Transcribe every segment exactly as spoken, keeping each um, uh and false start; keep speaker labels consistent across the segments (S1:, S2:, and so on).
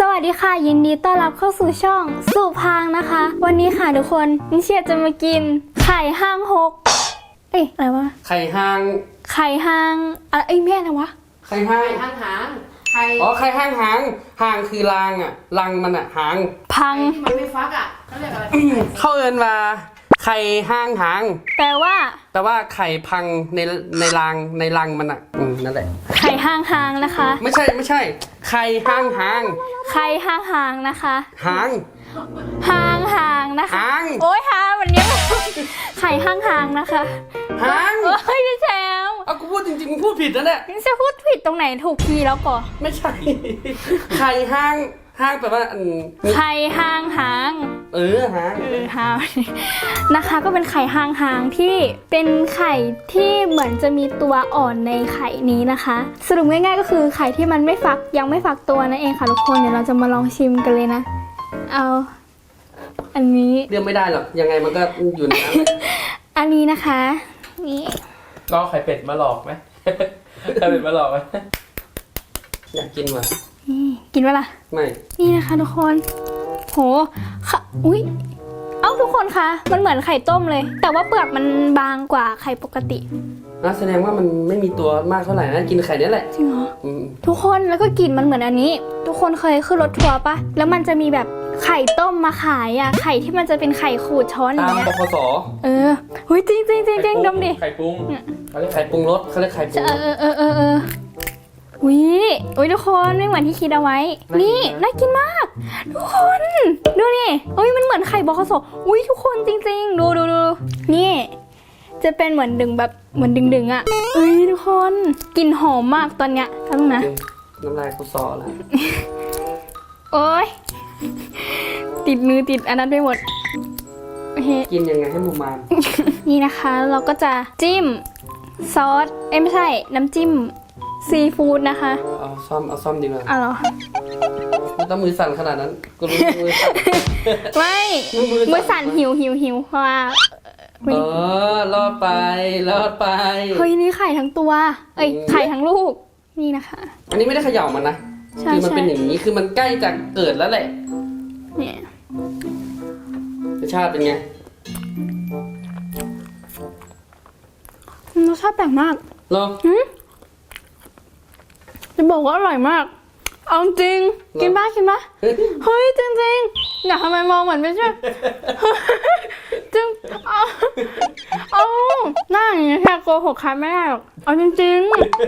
S1: วัสดีค่ะยินดีต้อนรับเข้าสู่ช่องสุพางนะคะวันนี้ค่ะทุกคนนิเชียจะมากินไข่ห้างหกเอ๊ะอะไรวะ
S2: ไข่ห้าง
S1: ไข่ห้างอะไรเอ้ยแม่อะไรวะ
S2: ไข่ห้าง
S3: หางหางไข่
S2: อ๋อไข่ห้างหางหางคือรางอ่ะรังมันอ่ะหาง
S1: พัง
S3: ที่มันไม่ฟักอ่ะเขาเรียกอะไร
S2: เข้าเอินมาไข่ห้างหาง
S1: แปลว่า
S2: แต่ว่าไข่พังในในรางในรังมันอ่ะอืมนั่นแหละ
S1: ไข่ห้างหางนะคะ
S2: ไม่ใช่ไม่ใช่ไข่ห้างหาง
S1: ไข่ห้างหางนะคะ
S2: หาง
S1: หางหางนะคะ
S2: หาง
S1: โอ้ยหาวันนี้ไข่ห้างหางนะคะ
S2: หาง
S1: เฮ้ยพี่แชมป์
S2: เอากูพูดจริงๆมึงพูดผิดนะเนี่ย
S1: พี่จะพูดผิดตรงไหนถูกทีแล้วก่อ
S2: ไม่ใช่ไข่ห้างห้างแปลว่าอัน
S1: ไข่ห้างหาง
S2: เออหาง
S1: เออหางนะคะก็เป็นไข่ห้างหางที่เป็นไข่ที่เหมือนจะมีตัวอ่อนในไข่นี้นะคะสรุปง่ายๆก็คือไข่ที่มันไม่ฟักยังไม่ฟักตัวนั่นเองค่ะทุกคนเดี๋ยวเราจะมาลองชิมกันเลยนะเอาอันนี้
S2: เรียกไม่ได้หรอกยังไงมันก็อยู่ในนั้น
S1: อันนี้นะคะนี่
S4: ก็ไข่เป็ดมาหลอกไหมไข่เป็ดมาหลอกไหม
S2: อยากกินว่ะ
S1: นี่กินเวล่ะ
S2: ไม่
S1: นี่นะคะทุกคนโหค่ะอุ้ยเอ้าทุกคนคะมันเหมือนไข่ต้มเลยแต่ว่าเปลือกมันบางกว่าไข่ปกติ
S2: น่าแสดงว่ามันไม่มีตัวมากเท่าไหร่นะกินไข่นี้แหละ
S1: จริงเหรอทุกคนแล้วก็กลิ่นมันเหมือนอันนี้ทุกคนเคยขึ้นรถทัวร์ปะแล้วมันจะมีแบบไข่ต้มมาขายอ่ะไข่ที่มันจะเป็นไข่ขูดช้อนอย่างเงี้ย
S2: ตามบขส
S1: เออเฮ้ยจริงจริงจริงจริงดมดิ
S4: ไข่ปรุง
S2: เขาเรียกไข่ปรุงรสเขาเรียกไข่ปรุง
S1: เออเออเออเอออุ้ยอุ้ยทุกคนไม่เหมือนที่คิดเอาไว้นี่น่ากินมากทุกคนดูนี่อุ้ยมันเหมือนไข่บขสอุ้ยทุกคนจริงๆดูดูดูนี่จะเป็นเหมือนดึงแบบเหมือนดึงดึงอ่ะเอ้ยทุกคนกลิ่นหอมมากตอนเนี้ยทั้งนะ
S2: น้ำลายกูซอแล้ว
S1: โอ้ยติดมือติดอันนั้นไปหมด
S2: กินยังไงให้หมูมาน
S1: นี่นะคะเราก็จะจิ้มซอสเอ้ไม่ใช่น้ำจิ้มซีฟู้ดนะคะ
S2: เอาซ่อมเอาซ่อมดีกว่า
S1: เอาเหรอ
S2: ไม่ต้องมือสั่นขนาดนั้นกูรู้มือสั่น
S1: ไม่มือสั่นหิวหิวหิวเพราะว่า
S2: เออรอดไปรอดไป
S1: เฮ้ยนี่ไข่ทั้งตัวเอ้ยไข่ทั้งลูกนี่นะคะ
S2: อันนี้ไม่ได้เขย่ามันนะคือมันเป็นอย่างนี้คือมันใกล้จะเกิดแล้วแหละ
S1: เนี่ย
S2: รสชาติเป็นไง
S1: รสชาติแปลกมาก
S2: เหรอ
S1: จะบอกว่าอร่อยมากเอาจริงกินบ้ากินบ้าเฮ้ยจริงจริงอยากทำไมมองเหมือนไม่ใช่จริงเอาเอาหน้าอย่างนี้แค่โกหกใครไม่ได้หรอกเอาจริง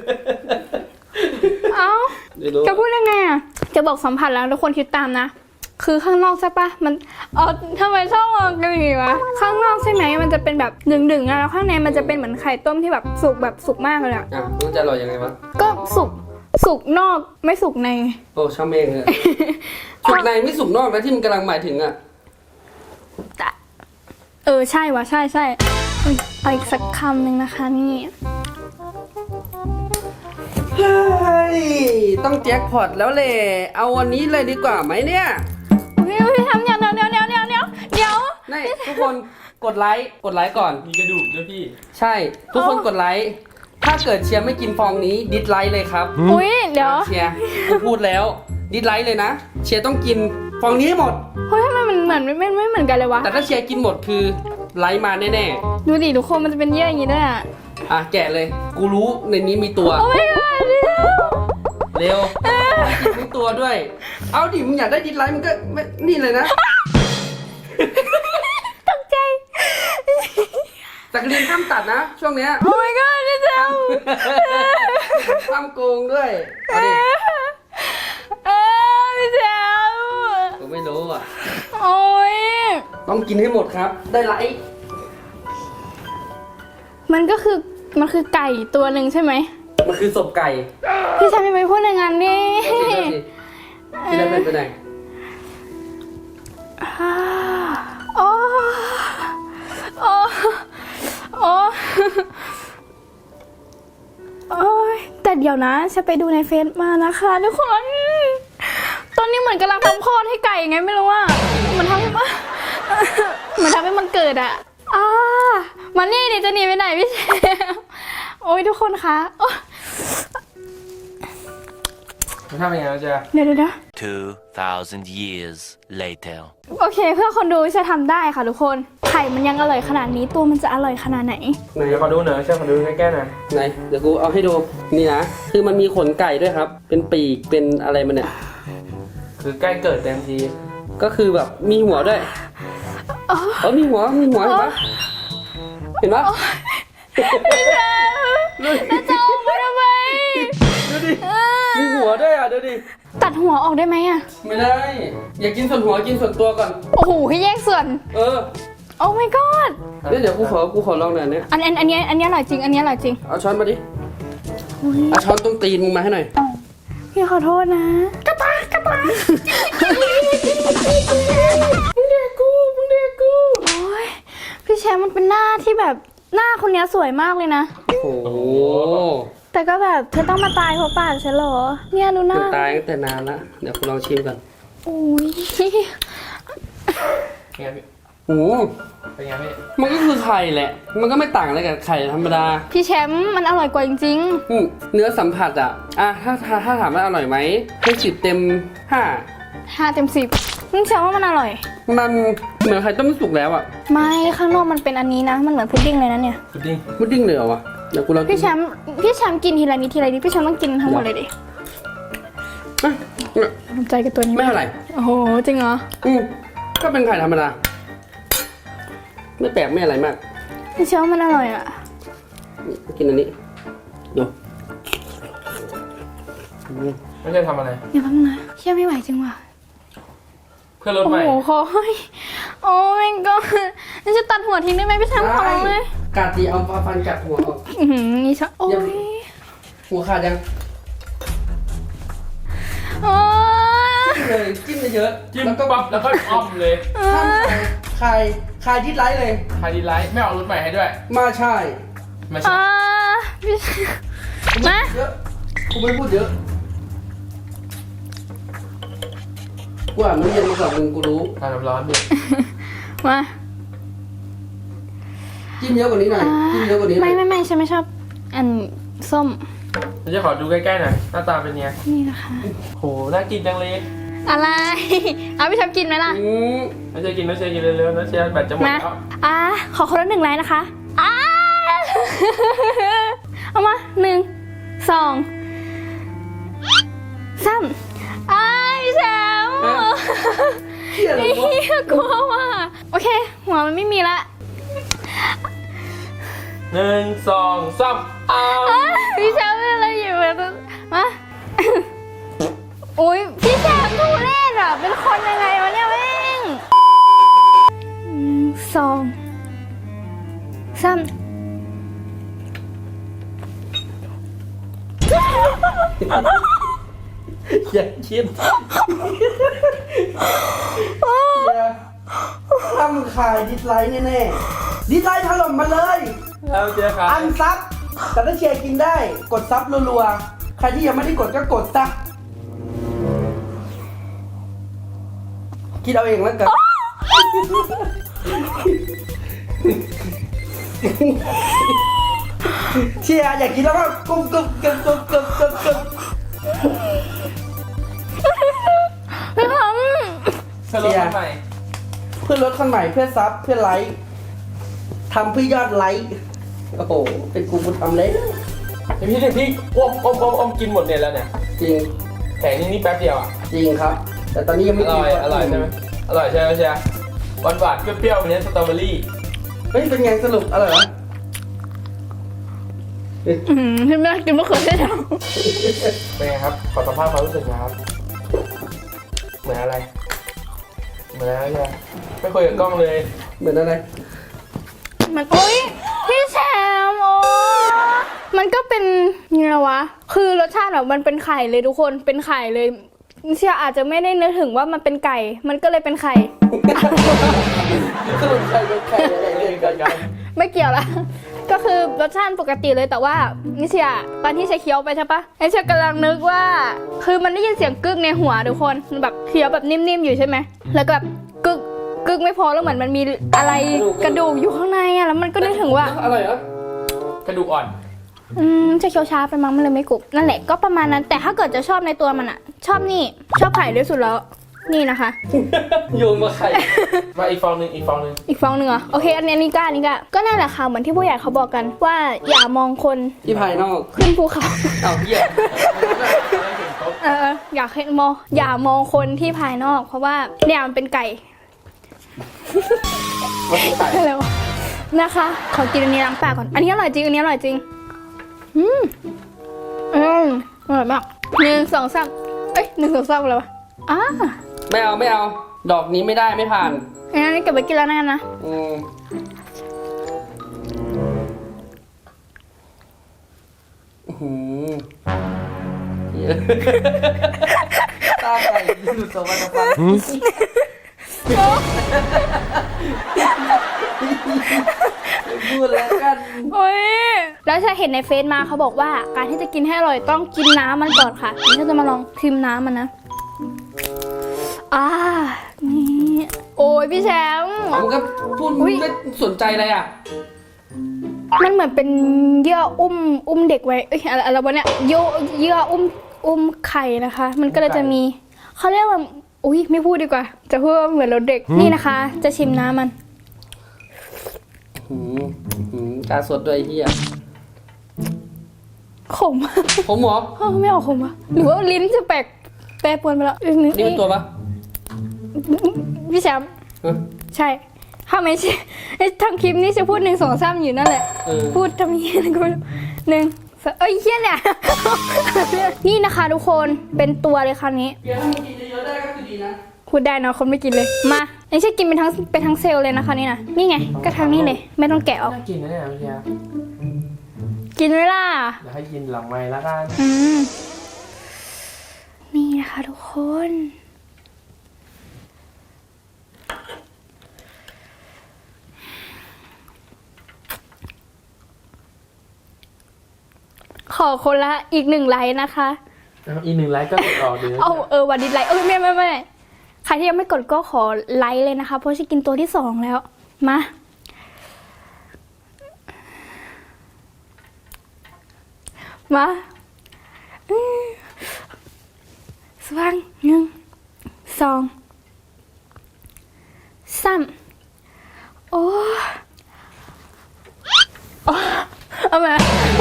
S1: ๆเอาจะพูดยังไงอ่ะจะบอกสัมผัสแล้วทุกคนคิดตามนะคือข้างนอกใช่ปะมันเออทำไมชอบมองกันอย่างนี้วะข้างนอกใช่ไหมมันจะเป็นแบบดึงๆอะแล้วข้างในมันจะเป็นเหมือนไข่ต้มที่แบบสุกแบบสุกมากเลยอะ
S2: อ่ะมันจะอร่อยยังไงวะ
S1: ก็สุกสุกนอกไม่สุกใน
S2: โอ้ช่างเมงเลยสุกในไม่สุกนอกนะที่มันกำลังหมายถึงอ่ะ
S1: เออใช่วะใช่ใช่เอาอีกสักคำหนึ่งนะคะนี่
S2: เฮ้ยต้องแจ็คพอตแล้วเลยเอาวันนี้เลยดีกว่าไหมเนี่ย
S1: พี่พี่ทำอย่างเดียวเดียวเดียวเดียวเดียวเดี๋ยว
S2: นี่ทุกคนกดไลค์กดไลค์ก่อน
S4: มีกระดูกด้วยพี่
S2: ใช่ทุกคนกดไลค์ถ้าเกิดเชียร์ไม่กินฟองนี้ดิสไลค์เลยครับ
S1: อุ้ยเดี๋ยว
S2: เชียร์กูพูดแล้วดิสไลค์เลยนะเชียร์ต้องกินฟองนี้หมด
S1: เฮ้ยทำไมมันเหมือนไม่ไม่เหมือนกันเลยวะ
S2: แต่ถ้าเชียร์กินหมดคือไลค์มาแน่
S1: ๆดูดิทุกคนมันจะเป็นเยื่ออย่างนี้ด้วยอ่ะ
S2: อ่ะแกะเลยกูรู้ในนี้มีตัว
S1: โอ้ย
S2: เร็วกินทั้งตัวด้วยเอาดิมึงอยากได้ดิสไลค์มึงก็นี่เลยนะ
S1: ตกใจ
S2: แต่เรียนข้ามตัดนะช่วงเนี้ย
S1: โอ้ยก็พี่แชมป์
S2: ข้ามโกงด้วยเอาดิ
S1: เออพี่แชมป์
S2: กูไม่รู้อ่ะ
S1: โอ้ย
S2: ต้องกินให้หมดครับได้ไลค์
S1: มันก็คือมันคือไก่ตัวหนึ่งใช่ไหม
S2: มันคือศพไก่
S1: พี่แชมป์ไม่ไปพูดอย่างนั้นนี่
S2: ที่ได้เป็นไปไหน
S1: โอ้โอ้โอ้โอ้ยแต่เดี๋ยวนะฉันไปดูในเฟซมานะคะทุกคนตอนนี้เหมือนกำลังทำคลอดให้ไก่ไงไม่รู้ว่ามันทำให้มันมันทำให้มันเกิดอะอ่ามันนี่ดิจะหนีไปไหนพี่เชฟโอ้ยทุกคนคะ
S4: มันทำยังไงนะเชียร์
S1: เดี๋ยวเดี๋ยวเดี๋ยว
S5: Two thousand years later.
S1: โอเคเพื่อคนดูจะทำได้ค่ะทุกคนไข่มันยังอร่อยขนาดนี้ตัวมันจะอร่อยขนาดไหน
S2: ไหน
S4: เดี๋ยวขอดูหน่อยเชียร์ขอดูใกล้ๆหน่อย
S2: ไหนเดี๋ยวกูเอาให้ดูนี่นะคือมันมีขนไก่ด้วยครับ เป็นปีกเป็นอะไรมันเนี่ย
S4: คือใกล้เกิดเต็มที
S2: ก็คือแบบมีหัวด้วยเออมีหัวมีหัวเห็นปะเห็นปะ
S1: แล้วจะเอาไปทำไม
S2: ดูดิมีหัวด้วยอ่ะดูดิ
S1: ตัดหัวออกได้ไหมอะ
S2: ไม่ได้ อย่ากินส่วนหัวกินส่วนตัวก่อน
S1: โอ้โหให้แยกส่วน
S2: เออ
S1: โอ้ my god
S2: เดี๋ยวเดี๋ยวกูขอกูขอลองหน่อยเนี่ย
S1: อันอันอันเนี้ยอันเนี้ยอร่อยจริงอันเนี้ยอร่อยจริง
S2: เอาช้อนมาดิ
S1: อุ๊ย
S2: เอาช้อนตรงตีนมึงมาให้หน่อย
S1: พี่ขอโทษนะกระตากกระตามึงเด็กกูมึงเด็กกูโอ้ยพี่แชมป์มันเป็นหน้าที่แบบหน้าคนเนี้ยสวยมากเลยนะ
S2: โอ้โห
S1: แต่ก็แบบเธอต้องมาตายเพราะปากฉันเหรอเนี่ยดูห
S2: มั
S1: น้า
S2: นตายตั้งแต่นานละเดี๋ยวกูลองชิมก่อน
S1: โอ้ย
S4: เป็นไงพี่
S2: โอ้โห
S4: เป็นไงพี่
S2: มันก็คือไข่แหละ มันก็ไม่ต่างอะไรกับไข่ธรรมดา
S1: พี่แชมป์มันอร่อยกว่าจริง
S2: อืมเนื้อสัมผัสอ่ะ อ่ะถ้าถ้าถ้าถามว่าอร่อยไหมให้สิบเต็มห้า
S1: ๆห้าเต็มสิบมึงแชมป์ว่ามันอร่อย
S2: มันเหมือนไข่ต้มสุกแล้วอ่ะ
S1: ไม่ข้างนอกมันเป็นอันนี้นะมันเหมือนพุดดิ้งเลยนะเนี่ย
S4: พุดดิ้ง
S2: พุดดิ้งเลยเหรอวะเดี๋ยวกูลองกิน
S1: พี่แชมป์พี่แชมป์กินทีละนิดทีละนิดพี่แชมป์ต้องกินทั้งหมดเลยดิ
S2: อ่ะ
S1: ภูมิใจกับตัวนี้
S2: ไม่เท่าไหร่
S1: โอ้โหจริงเหรอ
S2: อืมก็เป็นไข่ธรรมดา ไม่แปลกไม่อะไรมาก
S1: พี่แชมป์มันอร่อยอ่ะ
S2: กินอันนี้ดูอืม
S4: ไม่ใช่ทำอะไร
S1: อย่าพังนะเชื่อไม่ไหวจริงว่ะ
S4: เพื่อนรถ
S1: โอ้
S4: ใหม่
S1: โหคอยโอ้ยก็นี่จะตัดหัวทิ้งได้ไหมพี่แชมป์ขอร้องเลย
S2: กัดดีเอาฟันกัดหัวออก
S1: อือหือนี่ชอบโอ้ย
S2: หัวขาดยัง
S1: โอ้ย
S2: จิ้มเลยจิ้มเยอะ
S4: จิ้ม
S2: แล้วก็
S4: ปั๊บแล้วก็อ้อมเลย
S2: ห้ามใครใครดิสไลค์เลย
S4: ใครดีไลท์ไม่เอารถใหม่ให้ด้วย
S2: มาใช่
S4: ไม่ใช่
S1: อ่าพี่มา
S2: เยอะกูไม่พูดเยอะกูอ่านน้ำเย็นมาก่อนมึงกูรู้
S4: ทานน้ำร้อนดิ
S1: มา
S2: จิ้มเยอะกว่านี้หน่อย
S1: อ่า
S2: จิ้มเยอะกว่านี้หน่
S1: ไม่
S2: อย
S1: ไม่ไม่ฉันไม่ชอบอันส้ม
S4: เราจะขอดูใกล้ๆหน่อยหน้าตาเป็นไง
S1: นี่นะคะ
S4: โหน่ากินจังเลย
S1: อะไร เอาพี่แชมป์กินไหมล่ะ
S2: อืม
S4: ไม่ใช่กินไม่ใช่กินเร็วๆนะเชียร์แบตจะหมด
S1: มา
S4: แล้ว
S1: อ่าขอคนละหนึ่งไลน์นะคะอ่า เอามาหนึ่งสองสามอ้ายพี่แชมป์
S2: เที่ยอะไร
S1: นี่
S2: วะ
S1: กลัวว่ะโอเค หัวมันไม่มีละ
S4: หนึ่งสองสามอ้าว
S1: อ้ายพี่แชมป์เป็นอะไรอยู่แบบนั้นมา อุ้ยพี่แชมป์ทุเรศอ่ะ เป็นคนยังไงวะเนี่ยแม่งหนึ่งสองสาม
S2: อย่าคิดอย่าทำขายดิสไลค์แน่ๆดิสไลค์ถล่มมาเลย
S4: แล้วเชียร์ครับ
S2: อันซับแต่ถ้าเชียร์กินได้ กดซับรัวๆ ใครที่ยังไม่ได้กดก็กดซะคิดเอาเองแล้วกัน เชียร์อยากกินแล้วก็กุ๊บกุ๊บกุ๊บกุ๊บกุ๊บกุ๊บกุ๊บ
S1: พี่ท
S4: เพื่อนรถใหม่
S2: เพื่อลดคนใหม่เพื่อซับเพื่อไลค์ทำเพื่อยอดไลค์โอ้โห เป็นกูกูทำเลย
S4: ไอพี่เด็กพี่อ้วมอ้วมอ้วมอ้วมกินหมดเนี่ยแล้วเนี่ย
S2: จริง
S4: แผงนี้นี่แป๊บเดียวอ่ะ
S2: จริงครับ แต่ตอนนี้ยัง
S4: อ
S2: ไม่กิ
S4: ร่
S2: น
S4: อยอร่อยใช่ไหมอร่อยใช่ไหมเชียร์หวานหวานๆเปรี้ยวๆวันนี้สตรอเบอรี่
S2: เฮ้ยเป็นไงสรุปอร่อยไหม
S1: ำอืมพี่ไม่ได้กินมะเขือเทศหรอ
S4: เป็นไงครับขอสัมภาษณ์ความรู้สึกหนะครับเหมือนอะไรเหมือนอะไรเชียร์ไม่คุยกับกล้องเลย
S2: เหมือนอะไร
S1: มันโอ๊ยพี่แชมป์โอ้มันก็เป็นยังไงวะ คือรสชาติแบบมันเป็นไข่เลยทุกคนเป็นไข่เลยเชียร์อาจจะไม่ได้นึกถึงว่ามันเป็นไก่ มันก็เลยเป็นไข่
S2: สรุปใครเป็นใครอะไร
S4: ไม่
S2: เลย
S4: ได้กันกัน
S1: ไม่เกี่ยวละ ก็คือรสชาติปกติเลยแต่ว่านิเชียตอนที่เชียเคี้ยวไปใช่ปะไอเชียกำลังนึกว่า คือมันได้ยินเสียงกึกในหัวทุกคนมันแบบเคี้ยวแบบนิ่มๆอยู่ใช่ไหมแล้วก็แบบกึกกึกไม่พอแล้วเหมือนมันมีอะไรกระดูกอยู่ข้างในอะแล้วมันก็นึกถึงว่า
S2: อร่อยเหรอก
S4: ระดูกอ่อน
S1: อืมจะเคี้ยวช้าไปมั้งมันเลยไม่กรุบนั่นแหละก็ประมาณนั้น แต่ถ้าเกิดจะชอบในตัวมันอะชอบนี่ชอบไข่ที่สุดแล้วนี่นะคะ
S2: โยงมาไข่
S4: มาอีกฟองหนึ่งอีกฟองหนึ่ง
S1: อีกฟองหนึ่งเหรอโอเคอันนี้อันนี้ก็อันนี้ก็ก็นั่นแหละค่ะเหมือนที่ผู้ใหญ่เขาบอกกันว่าอย่ามองคน
S2: ที่ภายนอก
S1: ขึ้นภูเขา
S2: เอาเหี้ย
S1: เอออยากให้มองอย่ามองคนที่ภายนอก เพราะว่าเนี่ยมันเป็นไก่
S4: มันคือไก่
S1: อะไรวะนะคะ ขอกินอันนี้ล้างปากก่อนอันนี้อร่อยจริงอันนี้อร่อยจริงอืมอืมอร่อยมากหนึ่งสองสามเอ้ยหนึ่งสองสามอะไรวะอ่า
S2: ไม่เอาไม่เอา ดอกนี้ไม่ได้ไม่ผ่าน
S1: อันนี้เก็บไว้กินแล้วนะนะ
S2: อืมอื้อหือเหี้ยตาไก่หลุดออกมาจากปากพูดแล้วกัน
S1: โอ้ยแล้วฉันเห็นในเฟซมาเขาบอกว่าการที่จะกินให้อร่อยต้องกินน้ำมันก่อนค่ะนี่ฉันจะมาลองชิมน้ำมันนะอ่านี่โอ้ยพี่แชมป์
S2: ผมก็พูด
S1: อุ๊ย
S2: ไม่สนใจเลยอ่ะ
S1: มันเหมือนเป็นเยื่ออุ้มอุ้มเด็กไว้เอ้ยอะไรอะไรวะเนี่ยเยื่อเยื่ออุ้มอุ้มไข่นะคะ มันก็เลยจะมีเขาเรียกว่าอุ้ยไม่พูดดีกว่า จะพูดว่าเหมือนรถเด็กนี่นะคะ จะชิมน้ำมัน
S2: หืมหืมตาสดด้วยไอ้เฮีย
S1: ขม
S2: ผมหมอ
S1: เอ้าไม่เอาขมอะหรือว่าลิ้นจะแปลกแปรปรวนไปแล้วอีกนิด
S2: นี่เป็นตัวปะ
S1: พี่แชมป์
S2: เออ
S1: ใช่ถ้าไม่ใช่ไอ้ทำคลิปนี้จะพูดหนึ่งสองสามอยู่นั่นแหละ
S2: เออ
S1: พูดทำเหี้ยอะไรก็ไม่รู้หนึ่งสองเอ้ยเหี้ยเนี่ย นี่นะคะทุกคนเป็นตัวเลยคราวนี้
S2: เบียร์ถ้ามึงกินเยอะๆได้ก็คือดีนะ
S1: พูดได้เนอะคนไม่กินเลยมาไม่ใช่กินเป็นทั้งเป็นทั้งเซลล์เลยนะคะนี่นะนี่ไงก็ทั้งนี้เลย ไม่ต้องแกะออก
S4: น่ากินนะเนี่ยพี่แชมป์
S1: กินเวลา
S4: เดี๋ยวให้กินหลังไม้แล้วกัน
S1: อืมนี่นะคะทุกคน ขอคนละอีกหนึ่งไลค์นะคะ
S4: แล้วอีกหนึ่งไลค์ก็กดออกเดี๋ยว
S1: เอาเออวันดิสไลค์เออไม่ไม่ไม่ใครที่ยังไม่กดก็ขอไลค์เลยนะคะ เพราะฉันกินตัวที่สองแล้วมามาอืมสว่างหนึ่งสองสามโอ้โอ้เอามา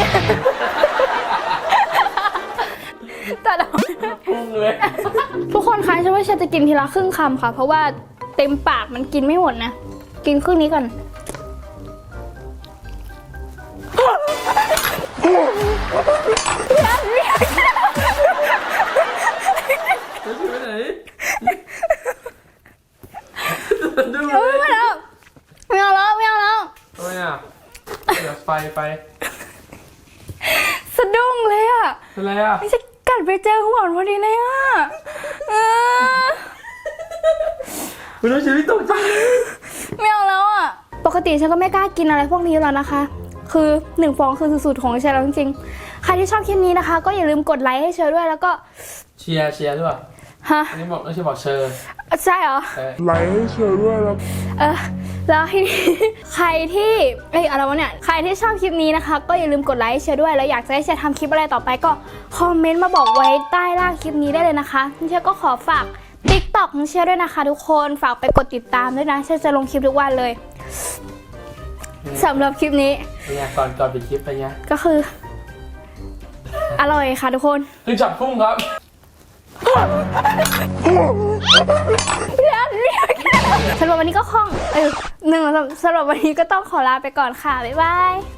S1: ตัดออก
S4: พุ่งเลย
S1: ทุกคนคะฉันว่าฉันจะกินทีละครึ่งคำค่ะ เพราะว่าเต็มปากมันกินไม่หมดนะ กินครึ่งนี้ก่อน
S4: จะไปไหน
S1: เออไม่เอาไม่เอาแล้วไม่เอาแล้ว
S4: ทำไมอ่ะเดี๋ยวไฟไฟ
S1: สะดุ้งเลยอ่ะ
S4: เป็นไรอ่ะ
S1: ไม่ใช่กัดไปเจอหัวพอดีเลยอ่ะเออ
S4: คุณต้องชีวิตตกใจ
S1: ไม่เอาแล้วอ่ะ ปกติฉันก็ไม่กล้ากินอะไรพวกนี้แล้วนะคะ คือหนึ่งฟองคือสุดๆของฉันแล้วจริงๆ ใครที่ชอบคลิปนี้นะคะ ก็อย่าลืมกดไลค์ให้เชอด้วยแล้วก็
S4: เชียร์เชียร์ด้วย
S1: ฮะ
S4: อันนี้บอกไม่ใช่บอกเชอร์
S1: ใช่เหรอ
S4: แต่
S1: เออแล้วทีนี้ ใครที่เอ้ยอะไรวะเนี่ยใครที่ชอบคลิปนี้นะคะ ก็อย่าลืมกดไลค์แชร์ด้วยแล้วอยากจะให้แชร์ทำคลิปอะไรต่อไปก็คอมเมนต์มาบอกไว้ใต้ล่างคลิปนี้ได้เลยนะคะเชร์ก็ขอฝาก ติ๊กต็อก ของเชร์ด้วยนะคะทุกคนฝากไปกดติดตามด้วยนะเชร์จะลงคลิปทุกวันเลยสำหรับคลิปนี้
S4: เป็นไงก่อนก่อนปิดคลิปเป็นไง
S1: ก็คือ อร่อยค่ะทุกคน
S4: คือจับพุ่งครับ
S1: สำหรับวันนี้ก็คล่องเออหนึ่งสำหรับวันนี้ก็ต้องขอลาไปก่อนค่ะ บ๊ายบาย